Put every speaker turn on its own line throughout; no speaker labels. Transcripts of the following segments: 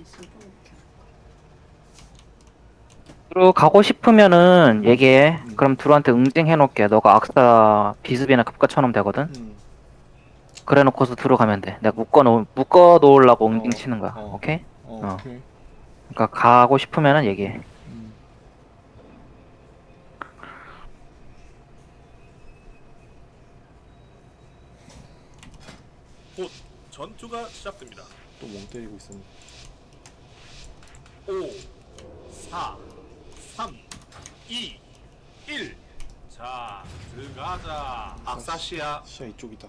드루 가고 싶으면은 얘기해. 그럼 드루한테 응징해 놓을게. 너가 악사 비습이나 급가 쳐놓으면 되거든. 그래 놓고서 들어가면 돼. 내가 묶어 놓으려고 응징 치는 거야. 오케이?
오케이.
그러니까 가고 싶으면은 얘기해.
곧 전투가 시작됩니다.
또 멍 때리고 있었네.
5, 4, 3, 2, 1. 자, 들어가자. 악사시야
시야 이쪽이다.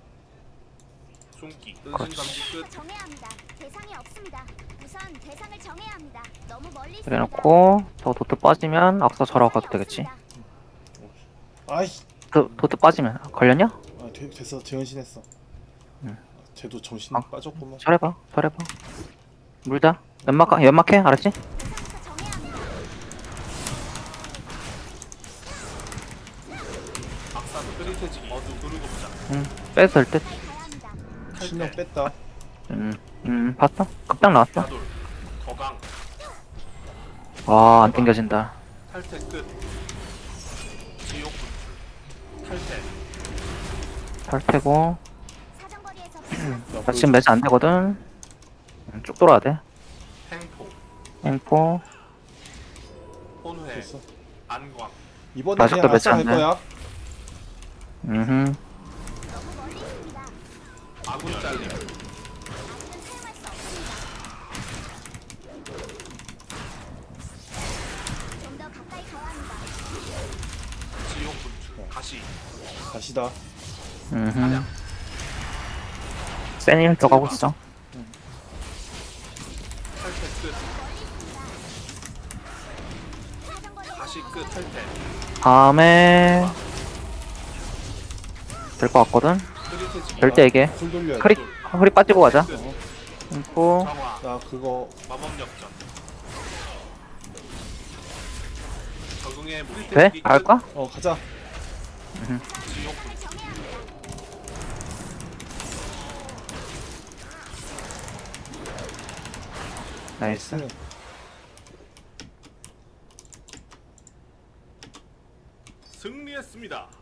숨기. 은신 감지 끝.
정해야 합니다. 대상이 없습니다. 우선 대상을 정해야 합니다. 너무 멀리 있습니다.
그래 놓고 저 도트 빠지면 악사 절하고 가도 되겠지.
아이.
도트 빠지면 걸렸냐?
됐어. 재현신했어. 쟤도 정신 빠졌구만.
절해봐. 물자. 연막해. 알았지?
대상부터 정해야 합니다.
악사 흐릿해지기. 어두 누르고 보자.
뺐을 듯.
가야 합니다.
신경 뺐다.
봤어? 급당 나왔어.
야돌. 거강.
와, 안 땡겨진다.
탈퇴 끝. 지옥 분출. 탈퇴.
탈퇴고.
사정거리에서
나 지금 매치 안 되거든. 쭉 돌아야 돼.
행포.
엠포.
혼회.
됐어.
안광.
이번에
아직도
그냥
매치
아싸
안
할
돼.
거야.
너무 멀리 있습니다.
아군 잘림.
아직은 사용할 수 없습니다. 좀 더 가까이 가야 합니다.
지옥 분출. 가시.
다시다.
센일 들어가고 있어.
탈퇴 끝.
사정거리에서
가시 끝. 탈퇴.
다음에 될 것 같거든.
흐릿해지기.
절대 얘기해.
풀 돌려야 돼.
크리 허리 빠지고 가자.
끝.
엠포.
정화.
나 그거
마법 역전. 적응의 무리
돼? 갈까?
가자.
지옥
대상을 정해야 합니다.
나이스.
승리했습니다.